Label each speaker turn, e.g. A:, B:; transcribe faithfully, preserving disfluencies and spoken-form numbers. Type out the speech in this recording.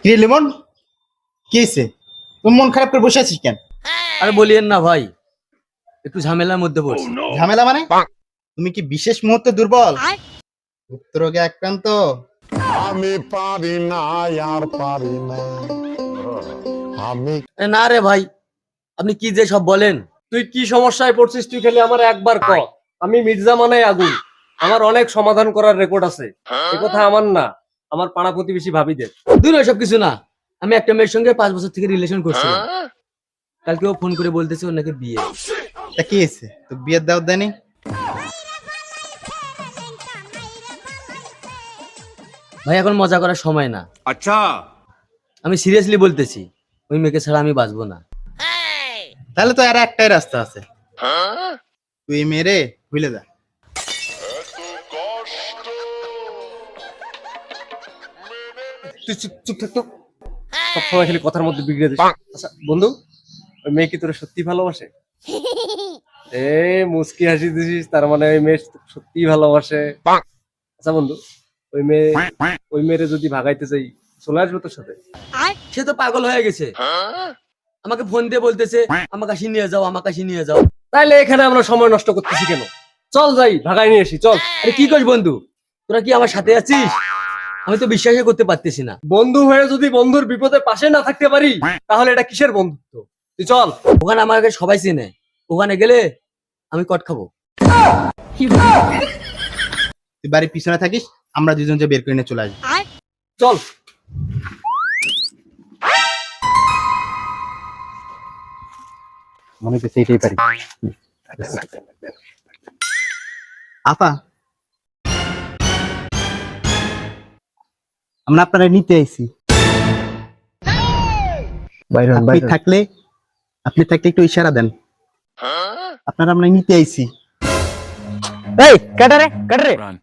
A: কি রে লিমন, কি হয়েছে? তুমি মন খারাপ করে বসে আছিস কেন?
B: আরে বলিয়েন না ভাই, একটু ঝামেলার মধ্যে পড়ছি।
A: ঝামেলা মানে? তুমি কি বিশেষ মুহূর্তে দুর্বল, গুপ্ত রোগে আক্রান্ত?
C: আমি পারি না আর পারি না আমি
B: আরে না রে ভাই, আপনি কি যে সব বলেন।
D: তুই কি সমস্যায় পড়ছিস তুই খালি আমার একবার ক। আমি মির্জা মানে আগুন, আমার অনেক সমাধান করার রেকর্ড আছে। এ কথা আমার না, আমার পাড়া প্রতিবেশী ভাবিদের।
B: দূর সব কিছু না, আমি একটা মেয়ের সঙ্গে পাঁচ বছর থেকে রিলেশন করছিলাম। কালকে ও ফোন করে বলতেছে ওর নাকি বিয়ে।
A: তা কি হয়েছে? তো বিয়ের দাওয়াত দেয়নি?
B: ভাই এখন মজা করার সময় না।
E: अच्छा
B: আমি সিরিয়াসলি বলতেছি, ওই মেয়েকে ছাড়া আমি বাঁচবো না।
A: তাহলে তো আর একটাই রাস্তা আছে, তুই মেরে ভুলে যা।
D: তুই চুপ চুপ থাক তো, সবসময় খালি কথার মধ্যে বিগড়ে দিস। আচ্ছা বন্ধু, ওই মেয়ে কি তোরা সত্যি ভালোবাসে? এ মুস্কি হাসি দিছিস, তার মানে ওই মেয়ে সত্যি ভালোবাসে। আচ্ছা বন্ধু, ওই মেয়ে ওই মেয়েরে যদি ভাগাইতে চাই চলে আসবে তোর সাথে?
B: সে তো পাগল হয়ে গেছে, আমাকে ফোন দিয়ে বলতেছে আমার কাছে নিয়ে যাও, আমার কাছে নিয়ে যাও।
D: তাইলে এখানে আমরা সময় নষ্ট করতেছি কেন? চল যাই, ভাগাই নিয়ে আসি, চল।
B: আরে কি করিস বন্ধু, তোরা কি আমার সাথে আছিস? আমি তো বিশ্বাসই করতে পারতেছি না।
D: বন্ধু হয়ে যদি বন্ধুর বিপদে পাশে না থাকতে পারি, তাহলে এটা কিসের বন্ধুত্ব? তুই চল।
B: ওখানে আমাকে সবাই চেনে, ওখানে গেলে আমি কট খাবো।
A: তুই বাড়ির পিছনে থাকিস, আমরা দুজন যে বের করে নিয়ে চলে আসবো।
D: চল।
A: মনে হচ্ছে এইটাই পারি। আপা, আমরা আপনারা নিতে আইছি। আপনি থাকলে আপনি থাকলে একটু ইশারা দেন, আপনারা আমরা নিতে আইছি।
F: এই কাটারে কাটারে